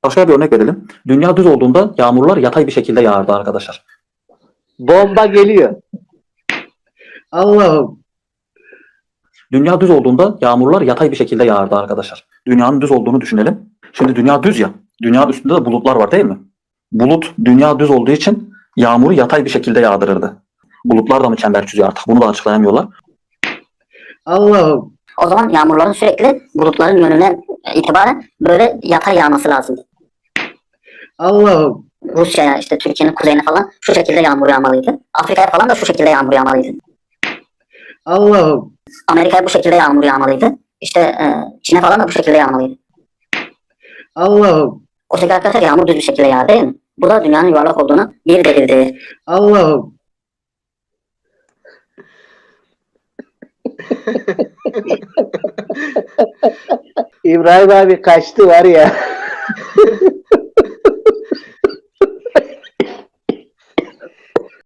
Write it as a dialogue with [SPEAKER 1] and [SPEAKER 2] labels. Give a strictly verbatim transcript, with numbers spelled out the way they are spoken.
[SPEAKER 1] Başka bir örnek verelim. Dünya düz olduğunda yağmurlar yatay bir şekilde yağardı arkadaşlar.
[SPEAKER 2] Bomba geliyor.
[SPEAKER 3] Allah'ım.
[SPEAKER 1] Dünya düz olduğunda yağmurlar yatay bir şekilde yağardı arkadaşlar. Dünyanın düz olduğunu düşünelim. Şimdi dünya düz ya. Dünya üstünde de bulutlar var değil mi? Bulut dünya düz olduğu için yağmuru yatay bir şekilde yağdırırdı. Bulutlar da mı çember çiziyor artık? Bunu da açıklayamıyorlar.
[SPEAKER 3] Allah'ım.
[SPEAKER 4] O zaman yağmurların sürekli bulutların yönüne itibaren böyle yatay yağması lazım.
[SPEAKER 3] Allah'ım.
[SPEAKER 4] Rusya'ya, işte Türkiye'nin kuzeyine falan şu şekilde yağmur yağmalıydı. Afrika'ya falan da şu şekilde yağmur yağmalıydı.
[SPEAKER 3] Allah'ım.
[SPEAKER 4] Amerika'ya bu şekilde yağmur yağmalıydı. İşte e, Çin'e falan da bu şekilde yağmalıydı.
[SPEAKER 3] Allah'ım.
[SPEAKER 4] O şekilde arkadaşlar yağmur düz bir şekilde yağar değil mi? Bu da dünyanın yuvarlak olduğunu bir delildi.
[SPEAKER 3] Allah'ım.
[SPEAKER 2] İbrahim abi kaçtı var ya.